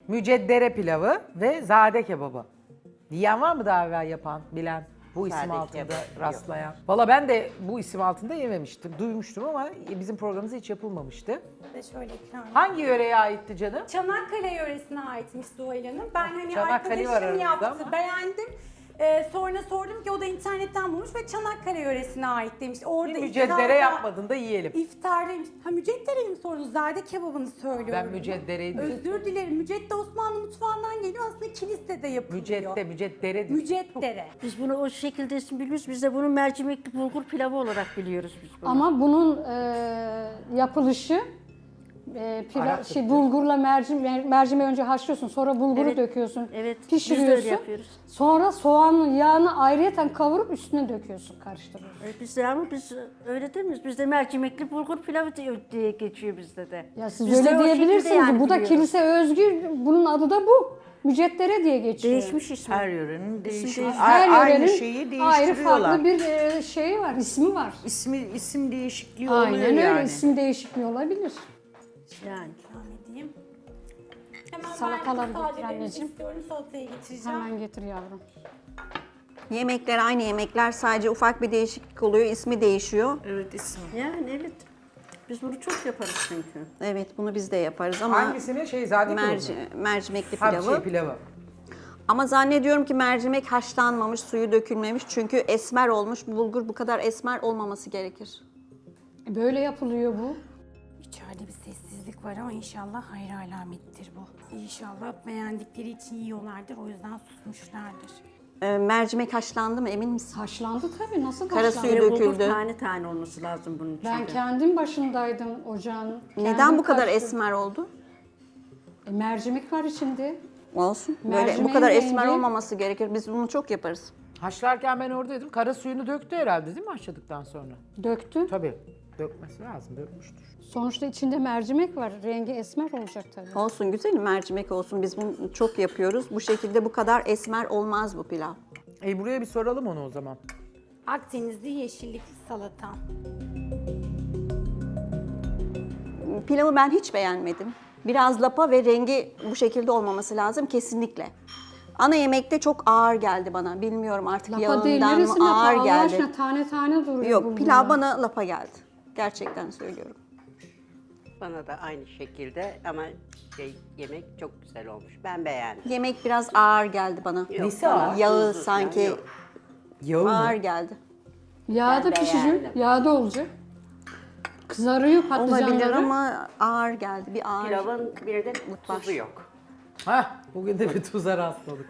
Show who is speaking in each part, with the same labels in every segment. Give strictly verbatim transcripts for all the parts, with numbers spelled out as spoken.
Speaker 1: müceddere pilavı ve zade kebabı. Yiyen var mı daha evvel yapan, bilen, bu isim
Speaker 2: Zade
Speaker 1: altında
Speaker 2: kebap
Speaker 1: rastlayan? Valla ben de bu isim altında yememiştim, duymuştum ama bizim programımızda hiç yapılmamıştı.
Speaker 3: Ve şöyle ikram edeyim.
Speaker 1: Hangi yöreye aitti canım?
Speaker 3: Çanakkale yöresine aitmiş Zuhal Hanım. Ben hani
Speaker 1: Çanakkale var
Speaker 3: arkadaşım
Speaker 1: aramızda
Speaker 3: yaptı,
Speaker 1: ama.
Speaker 3: beğendim. Ee, sonra sordum ki o da internetten bulmuş ve Çanakkale yöresine ait demiş. Orada
Speaker 1: Bir müceddere
Speaker 3: iftarda-
Speaker 1: yapmadın da yiyelim.
Speaker 3: İftardaymış. Ha müceddereyi mi sordunuz? Zade kebabını söylüyorum.
Speaker 1: Ben müceddereyi diyorum.
Speaker 3: Özür dilerim. Mücedde Osmanlı mutfağından geliyor. Aslında kilisede yapılıyor.
Speaker 1: Mücedde, müceddere diyor.
Speaker 3: Müceddere.
Speaker 4: Biz bunu o şekilde isim biliyoruz. Biz de bunu mercimekli bulgur pilavı olarak biliyoruz biz bunu.
Speaker 5: Ama bunun e, yapılışı e, pila,
Speaker 1: Arap
Speaker 5: şey,
Speaker 1: Türkçe.
Speaker 5: bulgurla mercimeği, mercimeği önce haşlıyorsun, sonra bulguru
Speaker 4: Evet,
Speaker 5: döküyorsun,
Speaker 4: evet. Biz de öyle
Speaker 5: pişiriyorsun.
Speaker 4: yapıyoruz.
Speaker 5: Sonra soğanın yağını ayrıyeten kavurup üstüne döküyorsun, karıştırıyorsun.
Speaker 4: E, Biz de ama biz öyle değil miyiz? Bizde mercimekli bulgur pilavı diye, diye geçiyor bizde de.
Speaker 5: Ya siz
Speaker 4: Biz de
Speaker 5: öyle
Speaker 4: o şekilde
Speaker 5: diyebilirsiniz.
Speaker 4: yani
Speaker 5: bu da
Speaker 4: biliyoruz.
Speaker 5: kilise özgü, bunun adı da bu. Müceddere diye geçiyor.
Speaker 4: Değişmiş ismi.
Speaker 2: Her yörenin değişik.
Speaker 4: değişik.
Speaker 5: Her
Speaker 2: Aynı
Speaker 5: yörenin
Speaker 2: şeyi
Speaker 5: ayrı
Speaker 2: değiştiriyorlar.
Speaker 5: farklı bir e, şeyi var, ismi var.
Speaker 2: İsmi, isim değişikliği
Speaker 5: Aynen
Speaker 2: oluyor
Speaker 5: öyle,
Speaker 2: yani.
Speaker 5: isim değişikliği olabilir.
Speaker 4: Yani.
Speaker 3: İkram edeyim. Hemen
Speaker 5: Salataları
Speaker 3: ben
Speaker 5: getir
Speaker 3: sadece
Speaker 5: anneciğim.
Speaker 3: istiyorum. Salatayı getireceğim.
Speaker 5: Hemen getir yavrum.
Speaker 6: Yemekler aynı yemekler, sadece ufak bir değişiklik oluyor, ismi değişiyor.
Speaker 2: Evet isim.
Speaker 4: Yani evet. Biz bunu çok yaparız çünkü.
Speaker 6: Evet, bunu biz de yaparız ama
Speaker 1: Hangisini? Şey zade kebabı.
Speaker 6: merci, mercimekli
Speaker 1: Ha,
Speaker 6: pilavı.
Speaker 1: şey, pilavı.
Speaker 6: Ama zannediyorum ki mercimek haşlanmamış, suyu dökülmemiş. Çünkü esmer olmuş. Bulgur bu kadar esmer olmaması gerekir.
Speaker 5: Böyle yapılıyor bu.
Speaker 3: İçeride bir sessizlik var ama inşallah hayır alamettir bu. İnşallah beğendikleri için yiyorlardır. O yüzden susmuşlardır.
Speaker 6: Ee, mercimek haşlandı mı, emin misin?
Speaker 5: Haşlandı tabii. Nasıl
Speaker 6: Kara
Speaker 5: haşlandı?
Speaker 6: suyu
Speaker 4: Bir de bulgur
Speaker 6: döküldü.
Speaker 4: tane tane olması lazım bunun içinde.
Speaker 5: Ben kendim başındaydım ocağın.
Speaker 6: Neden
Speaker 5: Kendim
Speaker 6: bu kadar
Speaker 5: karıştırdım.
Speaker 6: esmer oldu?
Speaker 5: E, mercimek var içinde.
Speaker 6: Olsun. Böyle bu
Speaker 5: Mercimeğin
Speaker 6: kadar esmer
Speaker 5: rengi-
Speaker 6: olmaması gerekir. Biz bunu çok yaparız.
Speaker 1: Haşlarken ben oradaydım. Kara suyunu döktü herhalde değil mi haşladıktan sonra?
Speaker 5: Döktü.
Speaker 1: Tabii. Dökmesi lazım, dökmüştür.
Speaker 5: Sonuçta içinde mercimek var. Rengi esmer olacak tabii.
Speaker 6: Olsun, güzelim, mercimek olsun. Biz bunu çok yapıyoruz. Bu şekilde bu kadar esmer olmaz bu pilav.
Speaker 1: E buraya bir soralım onu o zaman.
Speaker 3: Akdenizli yeşillikli salata.
Speaker 6: Pilavı ben hiç beğenmedim. Biraz lapa ve rengi bu şekilde olmaması lazım kesinlikle. Ana yemekte çok ağır geldi bana. Bilmiyorum artık
Speaker 5: Lapa değil.
Speaker 6: yağından
Speaker 5: Neresi
Speaker 6: mı
Speaker 5: lapa?
Speaker 6: ağır
Speaker 5: Allah
Speaker 6: geldi.
Speaker 5: aşkına tane tane duruyor
Speaker 6: Yok,
Speaker 5: bulgurlar.
Speaker 6: pilav bana lapa geldi. Gerçekten söylüyorum.
Speaker 2: Bana da aynı şekilde ama şey, yemek çok güzel olmuş. Ben beğendim.
Speaker 6: Yemek biraz ağır geldi bana.
Speaker 2: Yok,
Speaker 1: Nesi
Speaker 2: bana
Speaker 1: ağır?
Speaker 6: Yağı
Speaker 2: tuzlu
Speaker 6: sanki
Speaker 2: falan yok.
Speaker 1: Yağı
Speaker 6: ağır
Speaker 1: mı?
Speaker 6: geldi.
Speaker 5: Yağda
Speaker 2: Ben
Speaker 5: pişecek.
Speaker 2: beğendim.
Speaker 5: Yağda olacak. Kızarıyor patlıcanları.
Speaker 6: Olabilir ama ağır geldi. Bir ağır.
Speaker 2: Pilavın bir de
Speaker 6: Var.
Speaker 2: tuzu yok.
Speaker 1: Hah, bugün de bir tuza rastladık.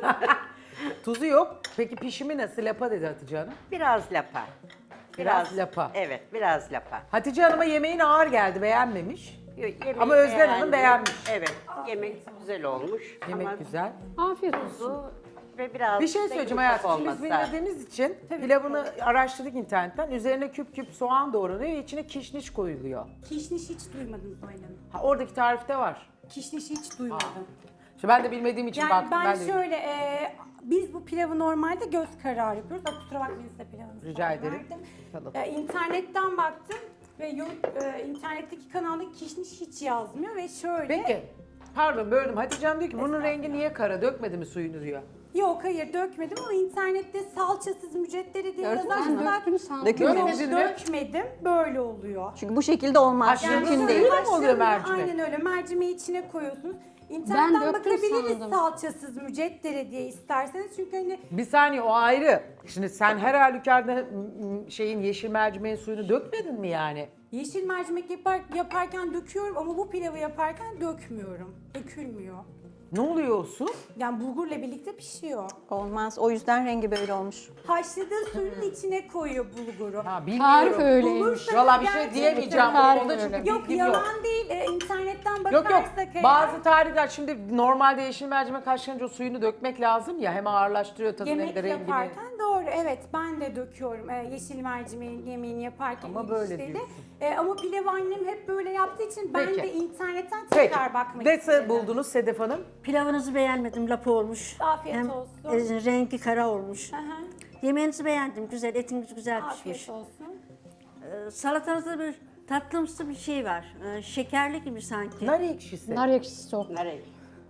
Speaker 1: Tuzu yok. Peki pişimi nasıl? Lapa dedi Hatice Hanım.
Speaker 2: Biraz lapa.
Speaker 1: Biraz lapa.
Speaker 2: Evet, biraz lapa.
Speaker 1: Hatice Hanım'a yemeğin ağır geldi, beğenmemiş.
Speaker 2: Yo- yemeği
Speaker 1: Ama Özden Hanım
Speaker 2: beğendim.
Speaker 1: beğenmiş.
Speaker 2: Evet, yemek güzel olmuş.
Speaker 1: Yemek
Speaker 2: ama
Speaker 1: güzel.
Speaker 5: Afiyet olsun.
Speaker 2: tuzu ve biraz
Speaker 1: Bir şey
Speaker 2: da
Speaker 1: söyleyeceğim
Speaker 2: yumuşak
Speaker 1: hayatım. Şimdi biz
Speaker 2: olması lazım.
Speaker 1: bilmediğimiz için pilavını araştırdık internetten. Üzerine küp küp soğan doğranıyor ve içine kişniş koyuluyor.
Speaker 3: Kişniş hiç duymadım Zuhal Hanım.
Speaker 1: Ha, oradaki tarifte var.
Speaker 3: Kişniş hiç duymadım.
Speaker 1: İşte ben de bilmediğim için
Speaker 3: Yani
Speaker 1: baktım.
Speaker 3: ben,
Speaker 1: de
Speaker 3: şöyle, e, biz bu pilavı normalde göz kararı yapıyoruz. Aa, kusura bakmayın size pilavınızı
Speaker 1: Rica
Speaker 3: sonra
Speaker 1: ederim.
Speaker 3: verdim.
Speaker 1: Tamam.
Speaker 3: E, internetten baktım ve yorum- e, internetteki kanalda kişniş hiç yazmıyor ve şöyle...
Speaker 1: Peki. Pardon böldüm. Hatice Hanım diyor ki bunun rengi niye kara? Dökmedi mi suyunu diyor.
Speaker 3: Yok hayır dökmedim ama internette salçasız mücedderi diye
Speaker 6: Gördün mü?
Speaker 3: yazarsanız
Speaker 5: Ben döktüm sandım.
Speaker 6: Dökülmemiş.
Speaker 3: Yok
Speaker 1: Dökmedin mi?
Speaker 3: dökmedim böyle oluyor.
Speaker 6: Çünkü bu şekilde olmaz.
Speaker 1: Haşlanmış
Speaker 6: Mümkün
Speaker 1: suyu
Speaker 6: değil.
Speaker 1: mu oluyor
Speaker 3: Haşlanıyor,
Speaker 1: mercimek?
Speaker 3: Aynen öyle. Mercimeği içine koyuyorsunuz. İnternetten
Speaker 5: döktüm
Speaker 3: bakabiliriz
Speaker 5: sandım.
Speaker 3: salçasız müceddere diye isterseniz. Çünkü hani
Speaker 1: Bir saniye o ayrı. Şimdi sen her halükarda m- m- şeyin yeşil mercimeğin suyunu dökmedin mi yani?
Speaker 3: yeşil mercimek yapar, yaparken döküyorum ama bu pilavı yaparken dökmüyorum. Dökülmüyor.
Speaker 1: Ne oluyor o su?
Speaker 3: Yani bulgurla birlikte pişiyor.
Speaker 6: Olmaz. O yüzden rengi böyle olmuş.
Speaker 3: Haşladığı suyun içine koyuyor bulguru.
Speaker 1: Ha
Speaker 5: Tarif
Speaker 1: bilmiyorum.
Speaker 5: öyleymiş.
Speaker 3: Bulursa
Speaker 1: Valla bir şey
Speaker 3: gerçekten-
Speaker 1: diyemeyeceğim.
Speaker 5: Tarif
Speaker 1: Onda çünkü
Speaker 5: öyle.
Speaker 3: Yok
Speaker 1: bilgim yok.
Speaker 3: yalan değil. Ee, internetten
Speaker 1: Yok
Speaker 3: bakarsak
Speaker 1: yok.
Speaker 3: eğer-
Speaker 1: Bazı tarifler şimdi normalde yeşil mercimek haşlanınca o suyunu dökmek lazım ya. Hem ağırlaştırıyor tadını hem
Speaker 3: Yemek
Speaker 1: de rengini.
Speaker 3: yaparken doğru evet ben de döküyorum ee, yeşil mercimeğin yemeğini yaparken.
Speaker 1: Ama böyle
Speaker 3: işte de.
Speaker 1: diyorsun.
Speaker 3: Ee, ama pilav annem hep böyle yaptığı için ben
Speaker 1: Peki.
Speaker 3: de internetten
Speaker 1: Peki.
Speaker 3: tekrar bakmak
Speaker 1: Nasıl
Speaker 3: istedim.
Speaker 1: buldunuz Sedef Hanım?
Speaker 4: Pilavınızı beğenmedim, lapa olmuş.
Speaker 3: Afiyet
Speaker 4: Hem
Speaker 3: olsun.
Speaker 4: e, rengi kara olmuş.
Speaker 3: Hı hı.
Speaker 4: Yemeğinizi beğendim, güzel, etiniz güzel pişmiş.
Speaker 3: Afiyet olsun.
Speaker 4: Ee, salatanızda bir tatlımsı bir şey var. Ee, şekerli gibi sanki.
Speaker 1: Nar ekşisi.
Speaker 5: Nar ekşisi o.
Speaker 2: Nereye?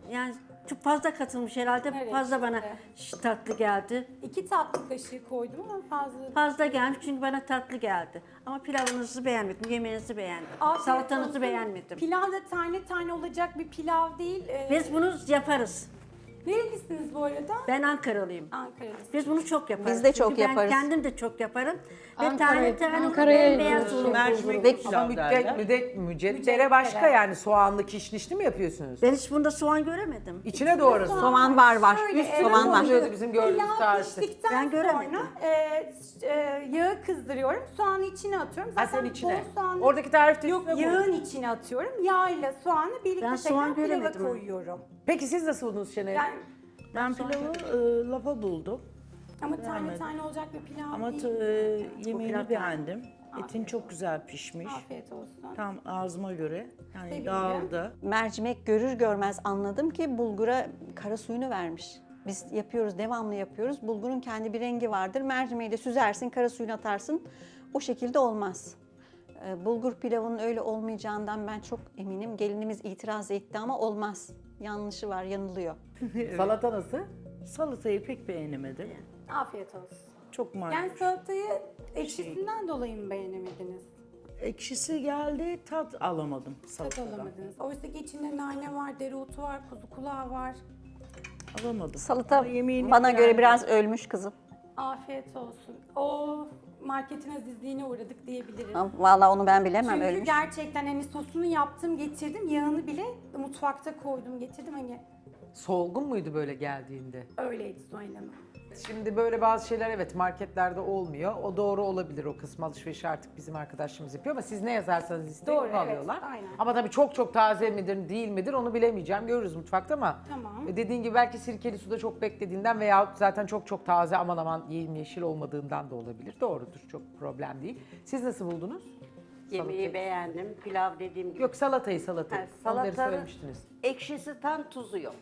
Speaker 4: Yani çok fazla katılmış herhalde.
Speaker 3: Evet,
Speaker 4: fazla bana
Speaker 3: işte.
Speaker 4: şş, tatlı geldi.
Speaker 3: İki tatlı kaşığı koydum ama fazla.
Speaker 4: Fazla gelmiş çünkü bana tatlı geldi. Ama pilavınızı beğenmedim, yemeğinizi beğendim.
Speaker 3: Afiyet
Speaker 4: Salatanızı
Speaker 3: olsun.
Speaker 4: beğenmedim.
Speaker 3: Pilav da tane tane olacak bir pilav değil. Ee,
Speaker 4: Biz bunu yaparız.
Speaker 3: Nerelisiniz bu arada?
Speaker 4: Ben Ankaralıyım.
Speaker 3: Ankara'lısınız.
Speaker 4: Biz bunu çok yaparız.
Speaker 6: Biz de çok
Speaker 4: Çünkü
Speaker 6: yaparız.
Speaker 4: Ben kendim de çok yaparım. Ve
Speaker 5: Ankara'ya-
Speaker 4: tane tane onu
Speaker 5: Ankara'ya
Speaker 4: beyaz
Speaker 5: gidiyoruz.
Speaker 4: olur.
Speaker 7: Mercimek
Speaker 6: Ve-
Speaker 1: Ama
Speaker 7: pilav
Speaker 1: müddet,
Speaker 7: derler.
Speaker 1: müddet, mücedere
Speaker 3: Mücedere.
Speaker 1: başka yani soğanlı kişnişli mi yapıyorsunuz?
Speaker 4: Ben hiç bunda soğan göremedim.
Speaker 1: İçine doğru
Speaker 6: Soğan var var.
Speaker 3: Şöyle,
Speaker 6: Üst
Speaker 3: evet,
Speaker 6: soğan var.
Speaker 1: oluyordu bizim gördüğümüz
Speaker 3: Pilav
Speaker 1: tarifte.
Speaker 3: piştikten
Speaker 4: Ben göremedim.
Speaker 3: sonra e, e, yağı kızdırıyorum. Soğanı içine atıyorum.
Speaker 1: Ha
Speaker 3: Zaten
Speaker 1: sen içine.
Speaker 3: bol soğanlı
Speaker 1: Oradaki tarifte
Speaker 3: Yok,
Speaker 1: üstüne koy.
Speaker 3: yağın içine atıyorum. Yağ ile soğanı birlikte
Speaker 4: Ben soğan
Speaker 3: tekrar pilava
Speaker 4: göremedim.
Speaker 3: koyuyorum.
Speaker 1: Peki siz nasıl buldunuz Şener?
Speaker 3: Yani,
Speaker 7: Ben pilavı e, lapa buldum.
Speaker 3: ama tane
Speaker 7: Beğenmedim.
Speaker 3: tane olacak bir pilav
Speaker 7: Ama
Speaker 3: değil.
Speaker 7: t- e, yemeğini
Speaker 4: pilav-
Speaker 7: beğendim. Etin çok güzel pişmiş.
Speaker 3: Afiyet olsun.
Speaker 7: Tam ağzıma göre. Yani
Speaker 3: Sevindim.
Speaker 7: dağıldı.
Speaker 6: Mercimek görür görmez anladım ki bulgura kara suyunu vermiş. Biz yapıyoruz, devamlı yapıyoruz. Bulgurun kendi bir rengi vardır. Mercimeği de süzersin, kara suyunu atarsın. O şekilde olmaz. Ee, Bulgur pilavının öyle olmayacağından ben çok eminim. Gelinimiz itiraz etti ama olmaz. Yanlışı var, yanılıyor.
Speaker 1: Salata nasıl?
Speaker 7: Salatayı pek beğenemedim.
Speaker 3: Afiyet olsun.
Speaker 7: Çok
Speaker 3: Yani
Speaker 7: mayhoş.
Speaker 3: salatayı ekşisinden dolayı mı beğenemediniz?
Speaker 7: Ekşisi geldi, tat alamadım
Speaker 3: Tat
Speaker 7: salatadan.
Speaker 3: alamadınız. Oysa ki içinde nane var, dereotu var, kuzu kulağı var.
Speaker 7: Alamadım.
Speaker 6: Salata
Speaker 7: Ama yemeğini
Speaker 6: bana göre
Speaker 7: beğendim.
Speaker 6: biraz ölmüş kızım.
Speaker 3: Afiyet olsun. O marketin azizliğine uğradık diyebiliriz.
Speaker 6: Ama vallahi onu ben bilemem,
Speaker 3: Çünkü
Speaker 6: ölmüş.
Speaker 3: gerçekten hani sosunu yaptım, getirdim. Yağını bile mutfakta koydum, getirdim. Hani
Speaker 1: Solgun muydu böyle geldiğinde?
Speaker 3: öyleydi Zuhal Hanım.
Speaker 1: Şimdi böyle bazı şeyler evet marketlerde olmuyor. O doğru olabilir, o kısım alışverişi artık bizim arkadaşlarımız yapıyor ama siz ne yazarsanız isteyin
Speaker 3: Doğru,
Speaker 1: onu
Speaker 3: evet,
Speaker 1: alıyorlar.
Speaker 3: aynen.
Speaker 1: Ama tabii çok çok taze midir değil midir onu bilemeyeceğim. Görürüz mutfakta ama
Speaker 3: Tamam.
Speaker 1: e, dediğin gibi belki sirkeli suda çok beklediğinden veya zaten çok çok taze aman aman yemyeşil olmadığından da olabilir. Doğrudur, çok problem değil. Siz nasıl buldunuz?
Speaker 2: Yemeği
Speaker 1: Salatayı.
Speaker 2: beğendim. Pilav dediğim gibi.
Speaker 1: Yok salatayı salatayı.
Speaker 2: Ha,
Speaker 1: Onları
Speaker 2: salatanın
Speaker 1: söylemiştiniz.
Speaker 2: ekşisi tam, tuzu yok.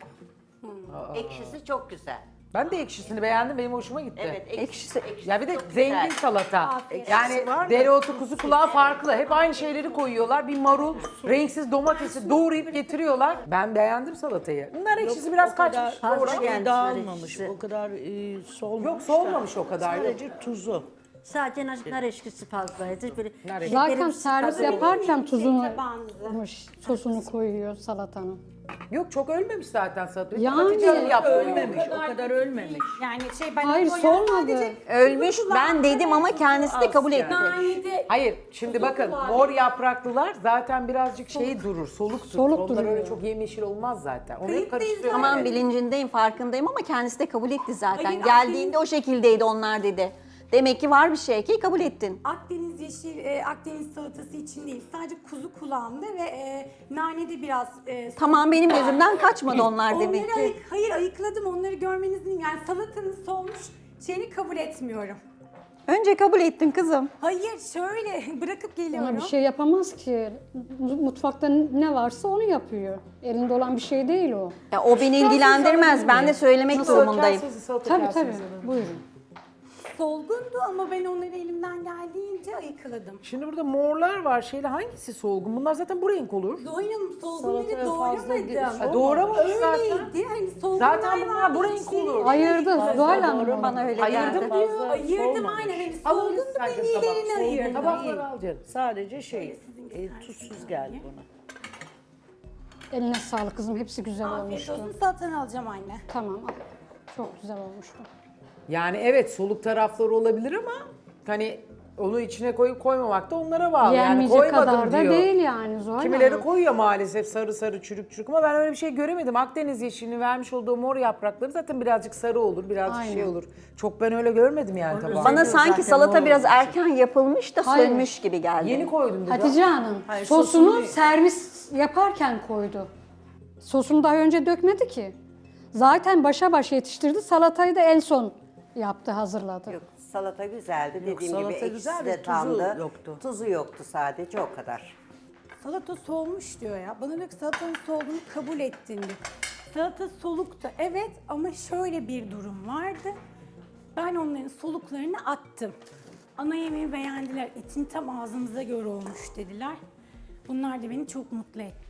Speaker 2: Ekşisi çok güzel.
Speaker 1: Ben de ekşisini beğendim, benim hoşuma gitti.
Speaker 2: Evet,
Speaker 6: Ekşisi-
Speaker 2: ekşisi
Speaker 1: Ya bir de
Speaker 2: çok
Speaker 1: zengin
Speaker 2: güzel.
Speaker 1: salata.
Speaker 3: Afiyet
Speaker 1: Yani dereotu, kuzu kulağı farklı. Hep aynı şeyleri koyuyorlar. Bir marul, renksiz domatesi doğrayıp getiriyorlar. Ben beğendim salatayı. Bunlar ekşisi biraz
Speaker 7: O kadar
Speaker 1: kaçmış.
Speaker 4: fazla
Speaker 1: Doğru ama-
Speaker 4: geldi.
Speaker 7: dağılmamış,
Speaker 4: ekşisi.
Speaker 7: o kadar e, solmamış.
Speaker 1: Yok
Speaker 7: da.
Speaker 1: solmamış o kadar. Yok.
Speaker 7: Sadece tuzu.
Speaker 4: Sadece nar, nar eşkisi fazlaydı. Böyle
Speaker 1: Nar eşkisi.
Speaker 5: Zaten
Speaker 4: şekerim
Speaker 5: servis
Speaker 4: fazla-
Speaker 5: yaparken tuzunu,
Speaker 3: Tabağınızı.
Speaker 5: sosunu koyuyor salatanın.
Speaker 1: Yok çok ölmemiş zaten salata.
Speaker 5: Yani
Speaker 1: Hatice Hanım yaptı.
Speaker 7: Ölmemiş, o kadar ölmemiş.
Speaker 3: Yani şey ben
Speaker 5: Hayır,
Speaker 3: o yani
Speaker 5: solmadı.
Speaker 3: sadece
Speaker 6: Ölmüş
Speaker 3: kuzu
Speaker 6: ben
Speaker 3: kulağı,
Speaker 6: dedim ama kendisi de
Speaker 7: az
Speaker 6: kabul
Speaker 7: yani.
Speaker 6: etti.
Speaker 3: nanede
Speaker 1: Hayır şimdi bakın mor yapraklılar zaten birazcık şey durur, soluk durur.
Speaker 5: Soluk
Speaker 1: Onlar
Speaker 5: duruyor.
Speaker 1: öyle çok yemyeşil olmaz zaten. Onu hep
Speaker 3: Kayıttayız
Speaker 1: karıştırıyorum.
Speaker 6: Tamam
Speaker 1: Evet.
Speaker 6: bilincindeyim, farkındayım ama kendisi de kabul etti zaten.
Speaker 3: Hayır,
Speaker 6: Geldiğinde o şekildeydi onlar dedi. Demek ki var bir şey ki kabul ettin.
Speaker 3: Akdeniz yeşil, e, Akdeniz salatası için değil. Sadece kuzu kulağında ve e, nanede biraz... E,
Speaker 6: Tamam benim gözümden kaçmadı onlar
Speaker 3: onları
Speaker 6: demek ki.
Speaker 3: ayık, hayır ayıkladım, onları görmenizin yani salatanın solmuş şeyini kabul etmiyorum.
Speaker 6: Önce kabul ettin kızım.
Speaker 3: Hayır şöyle bırakıp geliyorum.
Speaker 5: Ona bir şey yapamaz ki. Mutfakta ne varsa onu yapıyor. Elinde olan bir şey değil o.
Speaker 6: Ya o beni ilgilendirmez. Ben de söylemek durumundayım.
Speaker 1: Kasesi, salata
Speaker 5: Tabii
Speaker 1: kasesi
Speaker 5: tabii.
Speaker 1: alın.
Speaker 5: Buyurun.
Speaker 3: Solgundu ama ben onları elimden geldiğince ayıkladım.
Speaker 1: Şimdi burada morlar var. Şeyle hangisi solgun? Bunlar zaten bu renk olur.
Speaker 3: Zoya'nın solgunları
Speaker 7: Salataya fazla
Speaker 3: doğramadım.
Speaker 1: Ha, doğramamış zaten.
Speaker 3: Öyleydi. Hani solgunlar
Speaker 1: Zaten bunlar
Speaker 3: vardı,
Speaker 1: bu renk
Speaker 3: içlerinde.
Speaker 1: olur.
Speaker 5: Ayırdı Zuhal Hanım.
Speaker 6: Bana öyle
Speaker 1: Ayırdım
Speaker 6: geldi.
Speaker 1: diyor.
Speaker 7: Fazla
Speaker 3: Ayırdım
Speaker 7: solmamış.
Speaker 3: aynen. Hani
Speaker 1: Alın
Speaker 3: solgundu
Speaker 1: sen
Speaker 3: ben
Speaker 1: de tabak,
Speaker 3: iyilerini
Speaker 1: solgun
Speaker 3: ayırdım.
Speaker 1: tabakları al canım.
Speaker 7: Sadece şey, e, tuzsuz geldi bana.
Speaker 5: Eline sağlık kızım. Hepsi güzel
Speaker 3: Afiyet
Speaker 5: olmuştu.
Speaker 3: olsun, salatanı alacağım anne.
Speaker 5: Tamam. al. Çok güzel olmuştu.
Speaker 1: Yani evet soluk tarafları olabilir ama hani onu içine koyup koymamak da onlara bağlı. Yani
Speaker 5: Yenmeyecek
Speaker 1: koymadım
Speaker 5: kadar da
Speaker 1: diyor.
Speaker 5: değil yani Zuhal
Speaker 1: Kimileri
Speaker 5: Hanım.
Speaker 1: koyuyor maalesef sarı sarı çürük çürük ama ben öyle bir şey göremedim. Akdeniz yeşilini vermiş olduğu mor yaprakları zaten birazcık sarı olur, birazcık
Speaker 5: Aynen.
Speaker 1: şey olur. Çok ben öyle görmedim yani tabağımda.
Speaker 6: Bana sanki
Speaker 7: zaten
Speaker 6: salata
Speaker 7: o
Speaker 6: biraz erken yapılmış da
Speaker 5: Hayır.
Speaker 6: sönmüş gibi geldi.
Speaker 1: Yeni koydum dedi.
Speaker 5: Hatice Hanım
Speaker 7: Hayır,
Speaker 5: sosunu
Speaker 7: sosunu-
Speaker 5: servis yaparken koydu. Sosunu daha önce dökmedi ki. Zaten başa baş yetiştirdi. Salatayı da en son yaptı, hazırladı.
Speaker 8: Yok, salata güzeldi.
Speaker 7: Yok,
Speaker 8: Dediğim
Speaker 7: salata
Speaker 8: gibi
Speaker 7: güzel
Speaker 8: ekşisi
Speaker 7: de
Speaker 8: de
Speaker 7: tuzu
Speaker 8: tamdı.
Speaker 7: yoktu.
Speaker 8: Tuzu yoktu sadece, o kadar.
Speaker 3: Salata solmuş diyor ya. Bana diyor ki salatanın solduğunu kabul ettin diyor. Salata soluktu evet ama şöyle bir durum vardı. Ben onların soluklarını attım. Ana yemeği beğendiler. Etin tam ağzımıza göre olmuş dediler. Bunlar da beni çok mutlu etti.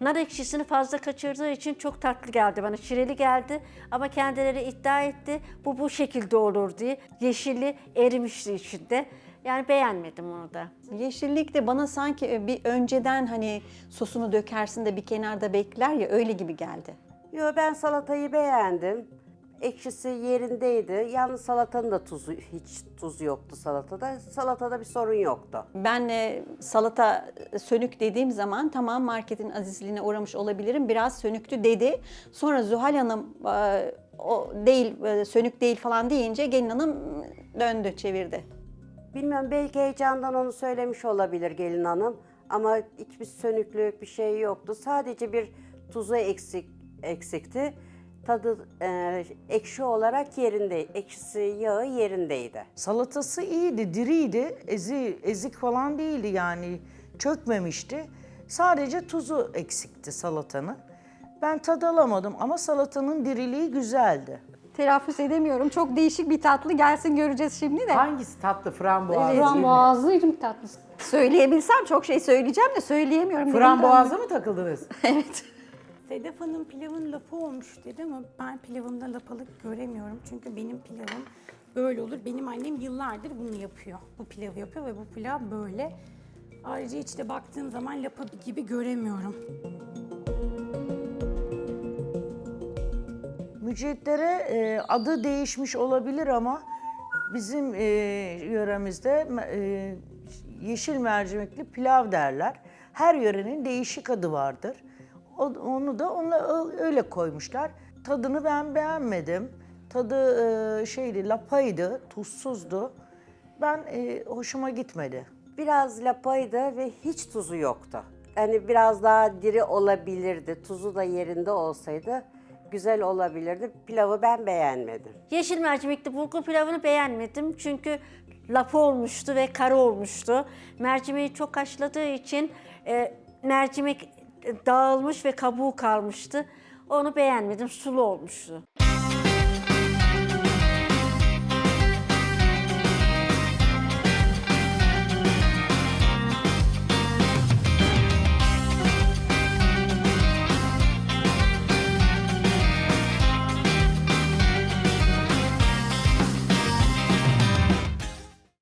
Speaker 4: Nar ekşisini fazla kaçırdığı için çok tatlı geldi bana. Şireli geldi ama kendileri iddia etti bu bu şekilde olur diye. Yeşili erimişti içinde. Yani beğenmedim onu da.
Speaker 6: Yeşillik de bana sanki bir önceden hani sosunu dökersin de bir kenarda bekler ya öyle gibi geldi.
Speaker 2: Yo, ben salatayı beğendim. Ekşisi yerindeydi. Yalnız salatanın da tuzu, hiç tuz yoktu salatada. Salatada bir sorun yoktu.
Speaker 6: Ben e, salata sönük dediğim zaman tamam marketin azizliğine uğramış olabilirim. Biraz sönüktü dedi. Sonra Zuhal Hanım e, o değil e, sönük değil falan deyince gelin hanım döndü çevirdi.
Speaker 2: Bilmiyorum, belki heyecandan onu söylemiş olabilir gelin hanım. Ama hiçbir sönüklük bir şey yoktu. Sadece bir tuzu eksik eksikti. Tadı e, ekşi olarak yerinde, ekşisi yağı yerindeydi.
Speaker 7: Salatası iyiydi, diriydi. Ezi, ezik falan değildi yani. Çökmemişti. Sadece tuzu eksikti salatanın. Ben tad alamadım ama salatanın diriliği güzeldi.
Speaker 9: Telaffuz edemiyorum. Çok değişik bir tatlı. Gelsin göreceğiz şimdi de.
Speaker 1: Hangisi tatlı? Frambuazlı değil mi?
Speaker 5: Frambuazlı irmik tatlısı.
Speaker 6: Söyleyebilsem çok şey söyleyeceğim de söyleyemiyorum.
Speaker 1: Frambuazla mı takıldınız?
Speaker 6: Evet.
Speaker 3: Sedef Hanım pilavın lapı olmuş dedi ama ben pilavımda lapalık göremiyorum. Çünkü benim pilavım böyle olur. Benim annem yıllardır bunu yapıyor. Bu pilavı yapıyor ve bu pilav böyle. Ayrıca içte baktığım zaman lapa gibi göremiyorum.
Speaker 7: Mücvitlere e, adı değişmiş olabilir ama bizim e, yöremizde e, yeşil mercimekli pilav derler. Her yörenin değişik adı vardır. O, onu da onunla öyle koymuşlar. Tadını ben beğenmedim. Tadı e, şeydi, lapaydı, tuzsuzdu. Ben e, hoşuma gitmedi.
Speaker 2: Biraz lapaydı ve hiç tuzu yoktu. Yani biraz daha diri olabilirdi. Tuzu da yerinde olsaydı güzel olabilirdi. Pilavı ben beğenmedim.
Speaker 4: Yeşil mercimekli bulgur pilavını beğenmedim çünkü lapa olmuştu ve kara olmuştu. Mercimeği çok haşladığı için e, mercimek dağılmış ve kabuğu kalmıştı. Onu beğenmedim, sulu olmuştu.